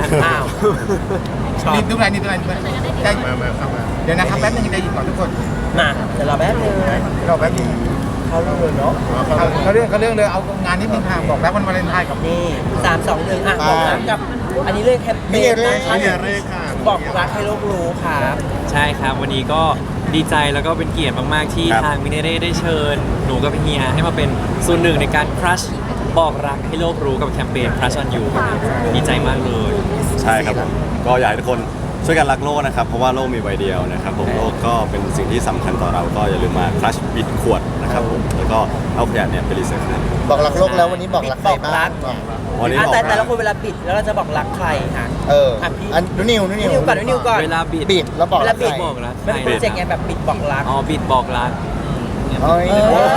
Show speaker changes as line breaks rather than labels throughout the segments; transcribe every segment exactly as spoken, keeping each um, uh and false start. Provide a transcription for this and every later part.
กันอ้าว
นี่ทุกรายนี่ทุกรายได้มามาเข้ามาเดี๋ยวนะครับแป๊บนึงได้ยินก่อนทุกคน
มาเดี๋ยวเราแป๊บนึง
เราแป๊บนึง
เขาเรื่องเนาะ
เขาเรื่องเขาเรื่องเลยเอางานนิดนึงค่ะบอกแล้ววันวาเลนไทน์กับ
นี่สามสองหนึ่งอ่ะบอกรักกับอันนี้เรื่องแคมเปญนะคะบอกรักให้โลกรู้ครับ
ใช่ครับวันนี้ก็ดีใจแล้วก็เป็นเกียรติมากๆที่ทางมิเนเร่ได้เชิญหนูกับเฮียให้มาเป็นส่วนหนึ่งในการครัชบอกรักให้โลกรู้กับแคมเปญ Crush on You ครับดีใจมากเลย
ใช่ครับผมก็อยากให้ทุกคนช่วยกันรักโลกนะครับเพราะว่าโลกมีใบเดียวนะครับผมโลกก็เป็นสิ่งที่สำคัญต่อเราก็อย่าลืมมาคลัชบิดขวดนะครับผมแล้วก็เอาขยะเนี่ยไปรีไซเคิล
บอกรักโลกแล้ววันนี้บอกรักใครบ้าง
วันนี้
แต่แต่ละคนเวลาบิดแล้วเราจะบอกรักใครฮะ
เอออันนูนิวนูนิว
ก่อนนูนิวก่อน
เวลาบิด
บิดแล้วบอกรักใคร
บอกรัก
เป็นโปรเจกต์ไงแบบบิดบอกรัก
อ๋อบิดบอกรัก
เฮ้ย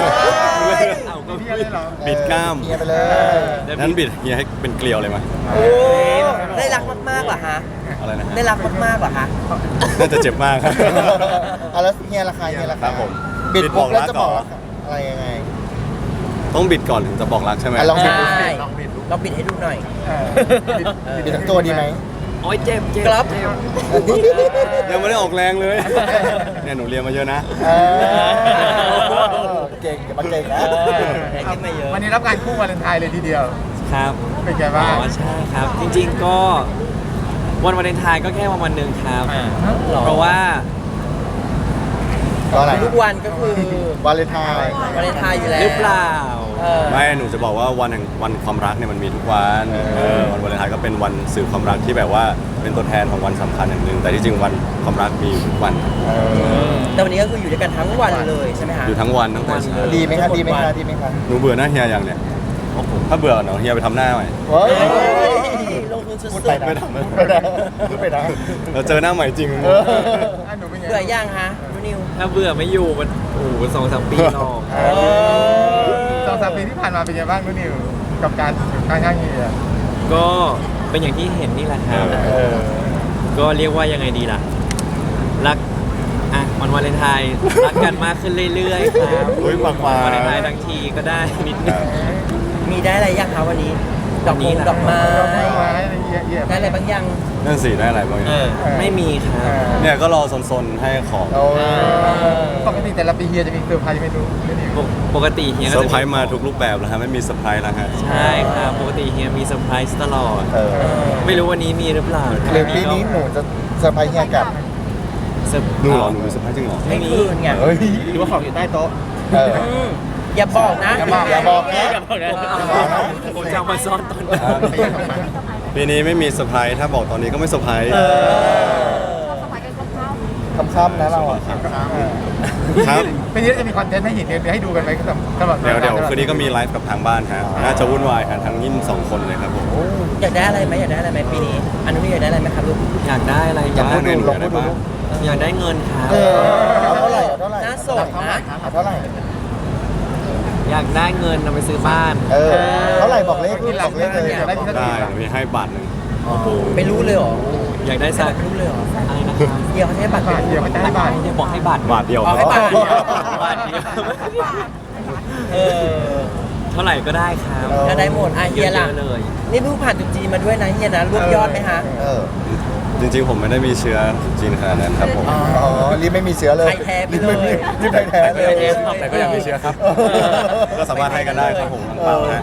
บิดกล้าม
เฮียไปเลย
นั้นบิดเฮียให้เป็นเกลียวเลยมั้ย
โอ้ได้รักมากๆเหรอฮะ
อะไรนะ
ได้รักมากๆเหรอฮะ
น่าจะเจ็บมากครับ
เอาแล้วเฮียราคาเฮียราคา
ครับผม
บิดบอกแล้วจะบอกอะไรยังไง
ต้องบิดก่อนถึงจะบอกรักใช่ไหม
ลองบิด
ลองบิดลองบิดให้ดูหน่อย
บิดทั้งตัวดีไหม
โอ้ยเจ็บเจ็บ
ครับ
ยังไม่ได้ออกแรงเลยเนี่ยหนูเรียนมาเยอะนะ
เก่งอย่ามาเก่งนะ
วันนี้รับการคู่วาเลนไทน์เลยทีเดียว
ครับ
เป็นไงบ้าง
อ๋อใช่ครับจริงๆก็วันวาเลนไทน์ก็แค่วันวันหนึ่งครับเพราะว่า
ทุกวันก็คือ
วาเลนไทน์
วาเลนไทน์อยู่แล้ว
หรือเปล่า
ไม่หนูจะบอกว่าวันแห่งวันความรักเนี่ยมันมีทุกวันวันวาเลนไทน์ก็เป็นวันสื่อความรักที่แบบว่าเป็นตัวแทนของวันสำคัญอย่างหนึ่งแต่ที่จริงวันความรักมีอยู่ทุกวัน
แต่วันนี้ก็คืออยู่ด้วยกันทั้งวันเลยใช่ไหมฮะ
อยู่ทั้งวันทั้งวัน
ดีไหมครับดีไหมครับดีไหมครับ
หนูเบื่อหน้าเฮียอย่างเนี่ยถ้าเบื่อเนาะเฮียไปทำหน้าใหม่
ลงทุนสุด
ๆไม่ทำไม่ได้ไม่ได้
เราเจอหน้าใหม่จริง
เบื่อย่างฮะนิว
ถ้าเบื่อไม่อยู่มันโอ้โหสองสามปีหรอก
สองสามปีที่ผ่านมาเป็นยังไงบ้างนิวกับการข้างๆเฮีย
ก็เป็นอย่างที่เห็นนี่แหละครับก็เรียกว่ายังไงดีล่ะรักอ่ะวันวาเลนไทน์รักกันมากขึ้นเรื่อยๆครับ
วันว
าเลนไทน์ทั้งทีก็ได้นิดนึง
มีได้อะไรยังคะวันนี้ดอกนี้ดอกไม้ได้อะไรบางอย่าง
นั่นสิได้อะไรบ้าง
ไม่มีครับ
เนี่ยก็รอซนๆให้ของ
ปกติแต่ละปีเฮียจะมีเซอร์ไพรส์ไม่รู้
ปกติเฮีย
เซอร์ไพรส์มาทุกรูปแบบแล้วฮะไม่มีเซอร์ไพรส์แล้วฮะ
ใช่ครับปกติเฮียมีเซอร์ไพรส์ตลอดไม่รู้วันนี้มีหรือเปล่า
หรือปีนี้หนูจะเซอร์ไพรส์เฮียกับ
หนูหรอหนูมีเซอร์ไพรส์จริงหรอ
ไม่มีไง
หรือว่าของอยู่ใต้โต๊ะ
อย่าบอกนะ
อย่าบอกอย่าบอกนะ
ผมจะมาซ่อนตอน
ปีนี้ไม่มีเซอร์ไพรส์ถ้าบอกตอนนี้ก็ไม่เซอร์ไพรส์
ค่ำๆนะเราอ่ะ
ครับ
ปีนี้จะมีคอนเทนต์ให้เห็นเดี๋ยวให้ดูกันไหมตลอด
เดี๋ยวเดี๋ยวคืนนี้ก็มีไลฟ์กับทางบ้านฮะน่าจะวุ่นวายกันทั้งยิ่งสองคนเลยครับผม
อยากได้อะไรไหมอยากได้อะไรไหมปีนี้อันนี้อยากได้อะไรไหมครับลูก
อยากได้อะไร
อยากได้เงินอยากได้บ้าง
อยากได้เงินครับ
เท่าไหร่เท่าไหร่
น่าสนนะ
เท่าไหร่
อยากได้เงินเอาไปซื้อบ้าน
เออเท่าไหร่บอกเลขบอกเลขเลย
ได้มีให้บาทหนึ่ง
ไม่รู้เลยหรอ
อยากได้สัก
รู้เลยหรอ
อะไรนะครับ
เดี๋ยวเขาให้บัตร
เดี๋ยวเขาจะให้บัตร
เดี๋ยวบอกให้บัตร
บาทเดียว
ให้บัตรเดียว
บาทเดียว
เออ
เท่าไหร่ก็ได้ครับ
ก็ได้หมดอ่ะเฮียล่ะเลยนี่เพิ่งผ่านจุดจีนมาด้วยนะเฮียนะรวบยอดไหมฮะ
จริงๆผมไม่ได้มีเชื้อจีนขนาดนั้นครับผม
อ๋อรีบไม่มีเชื้อเลย
ไทยแท้ไปเลย
รีบไทยแท้เลย
แต่ก็ยังมีเชื้อครับก็สามารถให้กันได้ครับผมเปล่าฮะ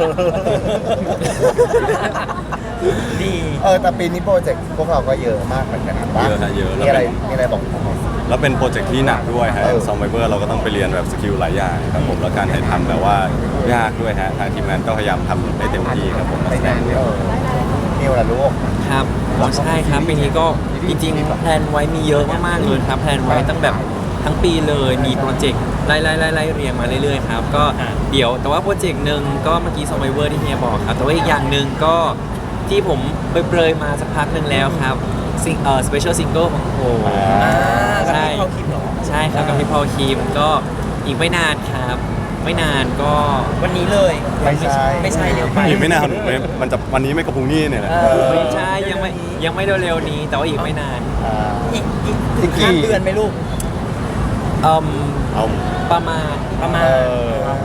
ดี
เออแต่ปีนี้โปรเจกต์พวกเราก็เยอะมากเหมือนกันนะ
เยอะฮะเยอะ
มีอะไรมีอะไรบอก
แล้วเป็นโปรเจกต์ที่หนักด้วยฮะซอมไบเบอร์เราก็ต้องไปเรียนแบบสกิลหลายอย่างครับผมแล้วการถ่ายทำแบบว่ายากด้วยฮะทางทีมงานก็พยายามทำให้เต็มที่ครับผม
นักแสดงนิวล่ะลูก
ครับใช่ครับปีนี้ก็จริงๆแพลนไว้มีเยอะมากๆเลยครับแพลนไว้ตั้งแบบทั้งปีเลยมีโปรเจกต์ไล่ๆๆๆเรียงมาเรื่อยๆครับก็เดี๋ยวแต่ว่าโปรเจกต์หนึ่งก็เมื่อกี้ซอมไบเบอร์ที่เฮียบอกครับแต่ว่าอีกอย่างหนึ่งก็ที่ผมเปรยๆมาสักพักหนึ่งแล้วครับซิงเอ่อสเปเชียลซิงเกิลของโอ
ใช่
ใช่ครับกับพี่พอลคีมก็อีกไม่นานครับไม่นานก็
วันนี้เลย
ไม่ใช่
ไม่ใช่เร็วไป
อีกไม่นานมันจะวันนี้ไม่กระพุ้งนี่เนี่ยแหละ
ไม่ใช่ยังไม่ยังไม่เร็วๆนี้แต่ว่าอีกไม่นาน
อีกอีกห้าเดือนไหมลูก
เอ่อประมาณ
ประมาณ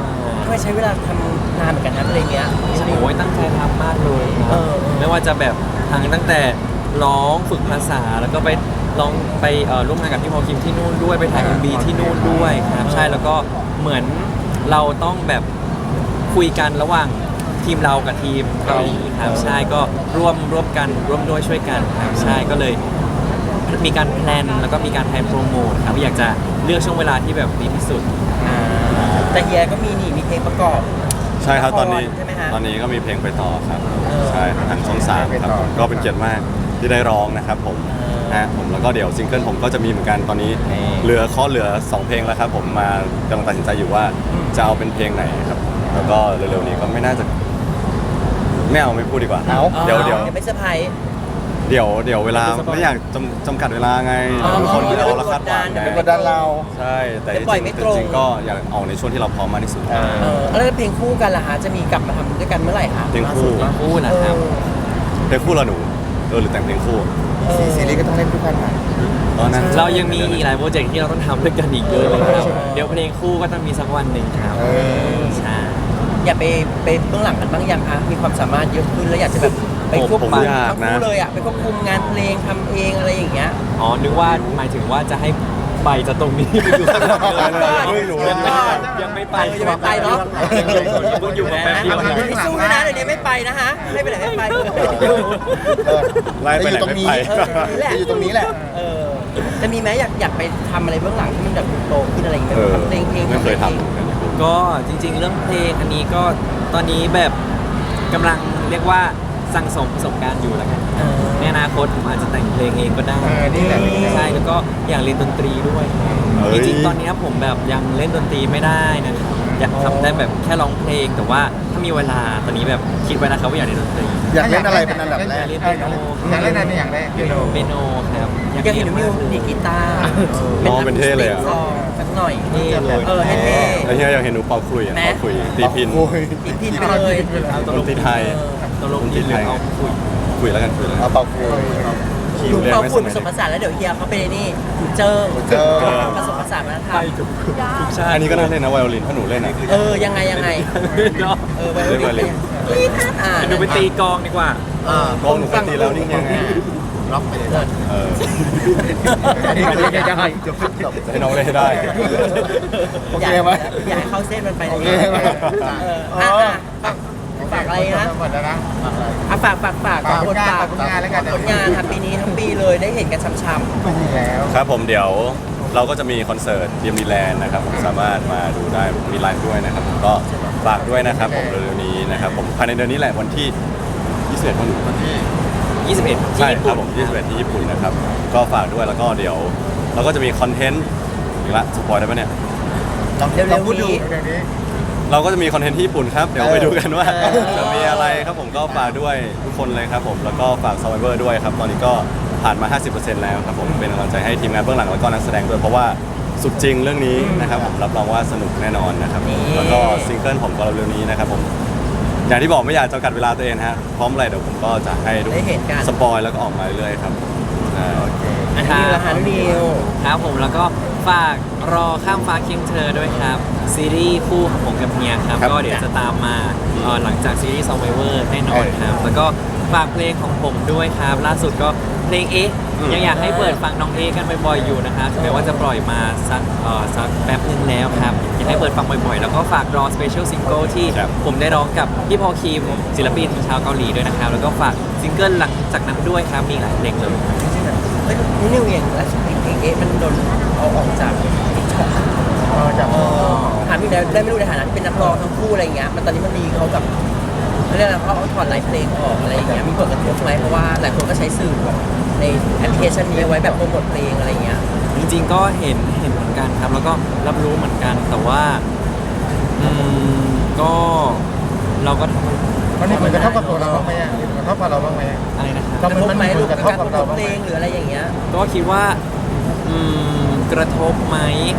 เคยใช้เวลาทำนานเหมือนกันนะเพลงเนี้ย
โอ้ยตั้งใจทำมากเลยค
เอ
รับ
อ
ไม่ว่าจะแบบทางตั้งแต่ร้องฝึกภาษาแล้วก็ไปลองไปเอ่อร่วมงานกับพี่พอลคิมที่นู่นด้วยไปถ่าย เอ็ม บี ที่นู่นด้วยครับใช่แล้วก็เหมือนเราต้องแบบคุยกันระหว่างทีมเรากับทีมเกาหลีครับใช่ก็ร่วมร่วมกันร่วมด้วยช่วยกันครับใช่ก็เลยมีการแพลนแล้วก็มีการแพลนโปรโมทครับอยากจะเลือกช่วงเวลาที่แบบดีที่สุด
อ่าแต่เฮียก็มีนี่มีเพลงประกอบ
ใช่ครับตอนนี้
ใช่ไหมฮะ
ตอนนี้ก็มีเพลงไปต่อครับ
เออ
ใช่ทางช่องสามครับผมก็เป็นเกียรติมากที่ได้ร้องนะครับผม
เออ
ฮะผมแล้วก็เดี๋ยวซิงเกิลผมก็จะมีเหมือนกันตอนนี้
นี่
เหลือข้อเหลือสองเพลงแล้วครับผมมากำลังตัดสินใจอยู่ว่าจะเอาเป็นเพลงไหนครับแล้วก็เร็วๆนี้ก็ไม่น่าจะไม่เอาไม่พูดดีกว่า
เอา
เดี๋ยวเดี๋ยว
เดี๋ยวไม่เซอร์ไพรส์
เดี๋ยวเดี๋ยวเวลาไม่อยากจำจำกัดเวลาไง
อ๋อ
ทุกคนเดี๋ยวเราคาดหวังไง
เป็นกดดันเรา
ใช่แต่
เดี๋ยวปล่อยไม่
จริง
ตรง
ๆจริงๆก็อยากออกในช่วงที่เราพร้อมมากที่สุด
เออ
เออแล้วเพลงคู่กันล่ะฮะจะมีกลับมาทำด้วยกันเมื่อไหร่คะ
เพลงคู่
ล่าสุด
คู่นะครับ
เพลงคู่เราหนูเออหรือแต่งเพลงคู่
เออ
ซีรีส์ก็ต้องเล่นคู่กันใหม่
ตอนนั้น
เรายังมีอีกหลายโปรเจกต์ที่เราต้องทำด้วยกันอีกเยอะเลยครับ เดี๋ยวเพลงคู่ก็ต้องมีสักวันหนึ่งครับ
เออ
ใช่
อย่าไปไปเบื้องหลังกันบ้างยังคะมีความสามารถเยอะขึ้นแล้วอยากจะแบบไปควบ
ผม
คุม
อยาก
ทั้ง
นะ
คู่เลยอ่ะไปควบคุมงานเพลงทำเองอะไรอย่างเงี้ย
อ๋อ นึกว่าหมายถึงว่าจะให้ไปจากตรงนี้ไปอยู่ข้างหลังเลย
ไม่รู้
ยังไม่ยังไม่ไป
เออยังไม่ไปเนอะ
เพิ่งอยู่มาแป๊บเดียว
ไม่สู้ด้วยนะเดี๋ยวนี้ไม่ไปนะฮะไม่ไปไหนไม่ไปเลย
เออ
ไล่ไปไหน
อยู่ตรงนี้
ไม่ไป
เออ
อยู่ตรงนี้แหละ
เออจะมีไหมอยากอยากไปทำอะไรเบื้องหลังที่มันแบบโตขึ้นอะไรอย่างเงี้ย
เออ
ทำเพลงเพลง
ไม่เคย
พลง
ทำเหมือนกัน
ก็จริง ๆ เรื่องเพลงอันนี้ก็ตอนนี้แบบกำลังเรียกว่าสั่งสมประสบการณ์อยู่แล้วกัน
เออ
ในอนาคตผมอาจจะแต่งเพลงเองก็ได้
เออนี่แหละ
ใช่แล้วก็อยากเรียนดนตรีด้วย
เฮ้
จ
ย
ริงๆตอนนี้ผมแบบยังเล่นดนตรีไม่ได้นะครับอยากทำได้แบบแค่ร้องเพลง แต่ว่าถ้ามีเวลาตอนนี้แบบคิดไว้นะครับว่าอยากเล่นดนตรี
อยากเล่นอะไรเป็นอันดับแรก
เล่นเปียโน
อยากเล่นอะไรอย่างแรกเปียโน
เปียโนครับ
อยากเห็นมิวดีดกีตาร์
น้องเป็นเท่เลยอะ
ซองสักหน่อย
เท่เลย
เออให้เท่
แล้วเฮียอยากเห็นหนูเป่าขลุ่ยอะ
แม่
เป่าขลุ่ยตีพิน
โอ้ย
ติดพินไปเลย
ดนตรีไทย
ตลกดีเลยเอาคุย
คุยแล้วกันคุยแล้วกั
เอา
น
เป่าคุย
คิ
หนู
วเรียน
เป่า
ไม่ส
ฝุ่น
มั
ผ
ย
สมผสานแล้วเดี๋ยวเฮียเขาไปนี่เจิง
เจอ
ผสมผสานวัฒนธรรม
ทุกชาติ
อันนี้ก็น่าเล่นนะไวโอลินถ้าหนูเล่นอะ
เออยังไงยังไง
เนาะ
เออไวโอ
เล่นไวโอลิ
ลิ
น
นนี่ท่านอ่าน
ดูไปตีกลองดีกว่า
กองหนูเคยตีแล้วนี่ยังไง
ล็อกไปเลย
เออ
อันนี้ก็เล่นได้
จบจบ
ให้น้องเล่นให้ได้
โอเคไหม
อยากให้เข้าเส้นมันไป
โอเคไหม
เอออ่ะอ่ะฝากอะไรนะ
หมดแล้วนะ
อ่ะฝากฝากฝาก
ฝากผ
คน
ลงาน
ฝาก
ฝากผลงานแล้วกัน
ผลงานทำปีนี้ทั้งปีเลยได้เห็นกันช้ำ
ไม่มีแล้ว
ครับผมเดี๋ยวเราก็จะมีคอนเสิร์ตเดียมดีแลนด์นะครับผมสามารถมาดูได้มีไลฟ์ด้วยนะครับผมก็ฝากด้วยนะครับผมเร็วๆนี้นะครับผมภายในเดือนนี้แหละวันที่ยี่สิบเอ็ดวันวันที่
ยี่สิบเอ็ด
ใช่
ที่ญี่
ครั
ปุ่
บ
น
ผมยี่สิบเอ็ดที่ญี่ปุ่นนะครับก็ฝากด้วยแล้วก็เดี๋ยว เราก็จะมีคอนเทนต์อีกละสปอยได้ปะเนี่ย
ลอง
ๆเร็
ลอง
ว
พูด
ๆ
ดู
นี้
เดี๋ยวนี้
เราก็จะมีคอนเทนต์ที่ญี่ปุ่นครับเดี๋ยวไปดูกันว่า
เออ
จะมีอะไรครับผมก็ฝากด้วยทุกคนเลยครับผมแล้วก็ฝาก Survivor ด้วยครับตอนนี้ก็ผ่านมา ห้าสิบเปอร์เซ็นต์ แล้วครับผมเป็นกำลังใจให้ทีมงานเบื้องหลังแล้วก็นักแสดงด้วยเพราะว่าสุดจริงเรื่องนี้นะครับผมรับรองว่าสนุกแน่นอนนะครับแล้วก็ซิงเกิลผมก็เร็วๆนี้นะครับผมอย่างที่บอกไม่อยากจำกัดเวลาตัวเองฮะพร้อมอะไรเดี๋ยวผมก็จะให้ทุก
ได้เห็นกัน
สปอยแล้วก็ออกมาเรื่อยๆครับอ่า
อันนี้ละฮันนิว
ครับผมแล้วก็ฝากรอข้ามฟ้าเคียงเธอด้วยครับ ซีรีส์คู่ของผมกับเฮียครับ
ครับ
ก็เดี๋ยวจะตามมาเอ่อหลังจากซีรีส์ Survivor แน่นอนครับ แล้วก็ฝากเพลงของผมด้วยครับ ล่าสุดก็เพลงเอ๊ะยังอยากให้เปิดฟังน้องเอ๊ะกันบ่อยๆอยู่นะครับถึงแม้ว่าจะปล่อยมาสักเอ่อสักแป๊บนึงแล้วครับอยากให้เปิดฟังบ่อยๆ แล้วก็ฝากรอ Special Single ที่
ครับ
ผมได้ร้องกับพี่พอลคิมศิลปินชาวเกาหลีด้วยนะครับแล้วก็ฝากซิงเกิลหลังจากนั้นด้วยครับมีหลายเพลงเลย
เฮ้ยนี่นิวเองและเพลงเพลงเอ๊ะมันโดนเอาออกจากติ๊กต็อก
เออจาก
ถามพี่ได้ได้ไม่รู้ในฐานะที่เป็นนักร้องทั้งคู่อะไรอย่างเงี้ยมันตอนนี้มันมีเขากับเขาเรียกอะไรเขาเอาถอดไลฟ์เพลงออกอะไรอย่างเงี้ยมีผลกระทบไหมเพราะว่าหลายคนก็ใช้สื่อแบบในแอปพลิเคชันนี้ไว้แบบโปรโมทเพลงอะไรอย่างเงี้ย
จริงๆ ก็เห็นเห็นเหมือนกันครับ แล้วก็รับรู้เหมือนกัน แต่ว่าอืมก็เราก็ทำ
มันมีผลกระทบกับตัวเราบ้างไหมอ่ะมีผลกระทบกับเราบ้างไหม
อะไรนะครับ
กระทบไหม
มันมี
ลูก
ผลก
การ
ระ
โป
ทบกับ
ร
เรา
โมท
บ้าง
เพ
ไหม
ลงหรืออะไรอย่างเงี้ย
ก็คิดว่าอืมกระทบไหม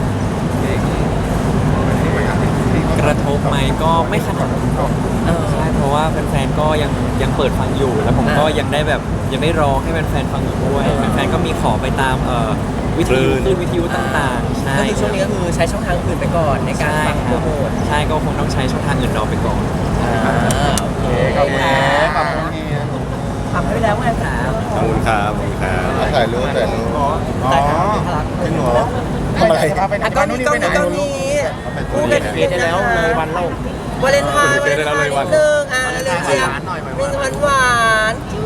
กระทบไหมก็ไม่ขนาดนั้น
เออ
ใช่เพราะว่าแฟนๆก็ยังยังเปิดฟังอยู่ แล้วผมก็
อ่ายั
ยังได้แบบยังได้ร้องให้แฟนๆฟังอยู่ด้วยแฟนๆก็มีขอไปตามเอ่อวิท
คลื่
ยุ
น
คลื่นวิทยุต่างๆ ใช่
ก็คือช่วงนี้ก็คือใช้ช่องทางอื่นไปก่อนในการ
ใช่
ฟัง
ค
โปร
รับ
โมท
ใช่ก็คงต้องใช้ช่องทางอื่นรอไปก่อน
อ่าโอเค
ขอบคุณ
ค่ะ
ขอบคุณเนี่ย
ทำให้ไปแล้วไงครับ
ขอบคุณครับขอบคุณครับ
ถ่ายรูปถ่ายรูป
อ๋อ
แต่ครับพลัก
จริงเหรอทำอะไร
อ่ะก็มีก็มีก็มีคู่กัน
เกได้แล้วเลยวันเล่า
วาเลนไทน์
เกได้แล้วเลยวัน
หนึ่งอ่ะเร็วๆเชียร์มีหวานหวานๆ